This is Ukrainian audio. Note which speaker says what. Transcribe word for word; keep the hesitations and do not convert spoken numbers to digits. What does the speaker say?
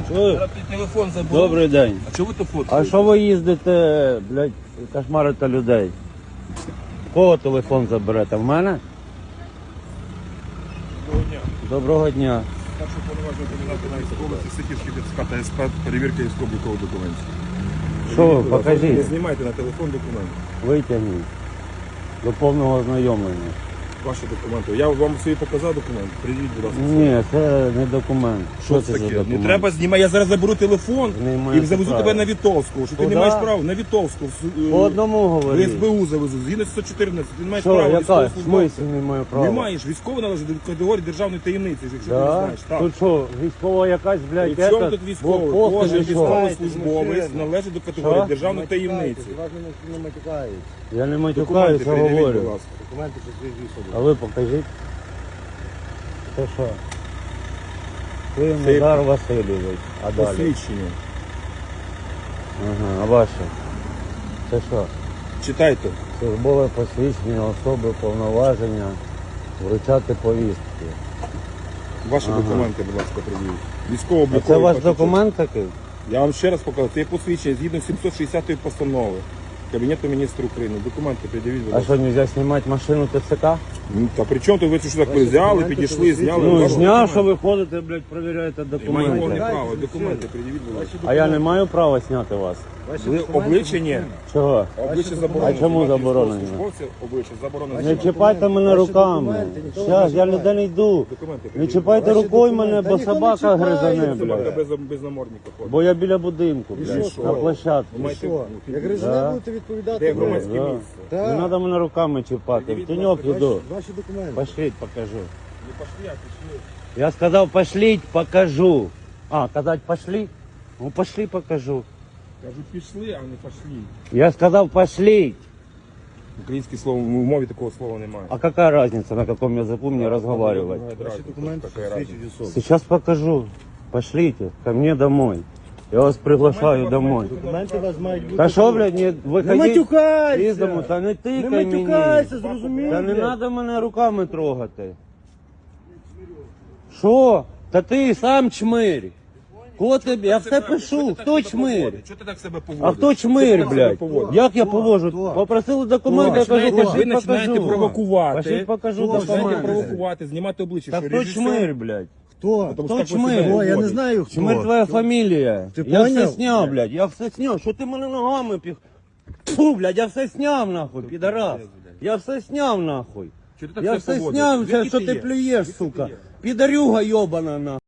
Speaker 1: Чую?
Speaker 2: Зараз ти телефон забув.
Speaker 1: Добрий день.
Speaker 2: А чого ви то
Speaker 1: А
Speaker 2: фоткаєте?
Speaker 1: що ви їздите, блядь, кошмарите людей? Кого телефон заберете? В мене?
Speaker 2: Доброго дня.
Speaker 1: Доброго дня.
Speaker 2: Перше повноваження кандидата на військовості, Сихівський ДЦК та СП, перевірка військово-облікових документів.
Speaker 1: Що ви,
Speaker 2: Будь ласка, Не
Speaker 1: покажіть,
Speaker 2: знімайте на телефон документи.
Speaker 1: витягніть. До повного ознайомлення.
Speaker 2: Ваші документи. Я вам свої показав документи. Придіть, будь ласка.
Speaker 1: Ні, це не документ.
Speaker 2: Що це
Speaker 1: за
Speaker 2: таке?
Speaker 1: документ?
Speaker 2: Не треба знімати. Я зараз заберу телефон
Speaker 1: Не
Speaker 2: і
Speaker 1: маєте
Speaker 2: завезу
Speaker 1: права.
Speaker 2: тебе на Вітовську. Що ти
Speaker 1: Куда?
Speaker 2: не маєш права? На Вітовську. в-
Speaker 1: По одному
Speaker 2: В
Speaker 1: говоріть.
Speaker 2: СБУ завезу. Згідно сто чотирнадцять. Ти не маєш
Speaker 1: Що,
Speaker 2: права
Speaker 1: яка? В
Speaker 2: військовослужбовця.
Speaker 1: смислі не маю права?
Speaker 2: Не маєш. Військово належить до категорії державної таємниці, якщо ти не
Speaker 1: Да?
Speaker 2: знаєш. Так.
Speaker 1: Тут що, військова якась, блядь,
Speaker 2: При чому
Speaker 1: ета,
Speaker 2: тут військовий?
Speaker 1: блокпост
Speaker 2: Кожен
Speaker 1: чи що?
Speaker 2: військовослужбовець належить до категорії
Speaker 1: Що?
Speaker 2: державної таємниці.
Speaker 3: Не матюкають.
Speaker 1: Я не
Speaker 2: Документи
Speaker 1: матюкаюся,
Speaker 2: передивіть, будь
Speaker 1: говорю.
Speaker 2: ласка.
Speaker 3: Документи підтверджують
Speaker 1: А
Speaker 3: особу.
Speaker 1: ви покажіть. Це що? Клим
Speaker 2: Це-
Speaker 1: Назар Васильович. А далі?
Speaker 2: Посвідчення.
Speaker 1: Ага, а ваше? Це що?
Speaker 2: Читайте.
Speaker 1: Службове посвідчення особи, повноваження, вручати повістки.
Speaker 2: Ваші
Speaker 1: Ага.
Speaker 2: документи, будь ласка, придивіть.
Speaker 1: А
Speaker 2: Військово-облікові.
Speaker 1: це ваш
Speaker 2: паспорт.
Speaker 1: документ такий?
Speaker 2: Я вам ще раз покажу. Це є посвідчення згідно сімсот шістдесятої постанови Кабінету міністрів України. Документи придивіть, будь
Speaker 1: А
Speaker 2: ласка.
Speaker 1: що, нельзя знімати машину ТЦК?
Speaker 2: Ну, та при чому то ви що так взяли, підійшли, зняли?
Speaker 1: Ну,
Speaker 2: Ваші
Speaker 1: зняв, що
Speaker 2: документи.
Speaker 1: ви ходите, блядь, перевіряєте
Speaker 2: І маємо
Speaker 1: документи.
Speaker 2: право. Документи придивіть, будь ласка.
Speaker 1: А я не маю права зняти вас?
Speaker 3: Ваші
Speaker 2: Ви
Speaker 3: документи
Speaker 2: обличчя ні.
Speaker 1: Чого?
Speaker 2: Обличчя заборонено.
Speaker 1: А чому
Speaker 2: Знімати
Speaker 1: заборонено?
Speaker 2: військовослужбовців Обличчя заборонено.
Speaker 1: Не
Speaker 2: знімати.
Speaker 1: чіпайте мене
Speaker 3: Ваші
Speaker 1: руками.
Speaker 3: документи ніхто не
Speaker 1: Зараз, я
Speaker 3: чіпає.
Speaker 1: ніде не йду.
Speaker 2: Документи
Speaker 1: Не
Speaker 2: придивіть.
Speaker 1: чіпайте
Speaker 3: Ваші
Speaker 1: рукою
Speaker 3: документи.
Speaker 1: мене,
Speaker 3: Та
Speaker 1: бо
Speaker 3: ніхто не
Speaker 1: собака
Speaker 3: чіпає,
Speaker 1: гризане,
Speaker 2: Собака
Speaker 1: блядь.
Speaker 2: без, без намордника ходить.
Speaker 1: Бо я біля будинку,
Speaker 3: І
Speaker 1: блядь,
Speaker 3: що?
Speaker 1: на площадці.
Speaker 2: Ви маєте-
Speaker 3: Що? Як
Speaker 1: Да.
Speaker 3: гризуне будете відповідати?
Speaker 2: Де
Speaker 3: ви?
Speaker 2: громадське
Speaker 1: Да.
Speaker 2: місце?
Speaker 1: Не
Speaker 3: Так.
Speaker 1: треба мене руками чіпати. В
Speaker 2: Придивіть,
Speaker 1: тіньок
Speaker 2: будь ласка,
Speaker 1: іду.
Speaker 3: Ваші документи.
Speaker 1: Пошліть, покажу.
Speaker 2: Не пошли, а пішли.
Speaker 1: Я сказав, пошліть, покажу. А, казать, пошли? Ну, пошли, покажу.
Speaker 2: Кажу, пішли, а не пошли.
Speaker 1: Я сказав, пошліть.
Speaker 2: Українське слово, в мові такого слова немає.
Speaker 1: А какая разница, на каком языку мне разговаривать?
Speaker 3: Ваші документи підтверджують особу.
Speaker 1: Сейчас покажу. Пошлите ко мне домой. Я вас приглашаю домой.
Speaker 3: Документи у вас мають бути.
Speaker 1: Та що, блядь, не
Speaker 3: Не
Speaker 1: виходіть
Speaker 3: матюкайся!
Speaker 1: із дому, та не
Speaker 3: Не
Speaker 1: тикай мені.
Speaker 3: матюкайся, зрозумів?
Speaker 1: Та не
Speaker 3: блядь?
Speaker 1: треба мене руками трогати. Що? Та ти сам чмирь. Кого тобі? Я все пишу. Хто чмирь?
Speaker 2: Чого ти так себе поводиш?
Speaker 1: А хто чмирь, блядь? Як я повожу? Попросили документи, я кажу,
Speaker 2: Ви
Speaker 1: пошліть
Speaker 2: починаєте
Speaker 1: покажу.
Speaker 2: провокувати.
Speaker 1: Пошліть покажу
Speaker 2: Ви починаєте
Speaker 1: документи.
Speaker 2: провокувати, знімати обличчя.
Speaker 1: Та
Speaker 2: що
Speaker 1: хто
Speaker 2: режисер?
Speaker 1: чмирь, блядь?
Speaker 3: Хто?
Speaker 2: Тому
Speaker 1: Хто
Speaker 2: що так ви
Speaker 1: чмирь?
Speaker 2: себе
Speaker 3: О, я не
Speaker 2: поводите.
Speaker 3: знаю хто.
Speaker 1: Чмирь твоя фамілія.
Speaker 3: Ти
Speaker 1: Я все
Speaker 3: поняв?
Speaker 1: сняв, блядь, я все сняв. Що ти мене ногами піх? Фу, блядь, я все сняв, нахуй, підарас. Я все сняв, нахуй.
Speaker 2: Чого ти так
Speaker 1: Я
Speaker 2: себе
Speaker 1: все
Speaker 2: поводиш?
Speaker 1: сняв,
Speaker 2: Звідки
Speaker 1: що
Speaker 2: ти
Speaker 1: ти
Speaker 2: є?
Speaker 1: плюєш,
Speaker 2: Звідки ти
Speaker 1: сука.
Speaker 2: є?
Speaker 1: Підарюга йобана, нахуй.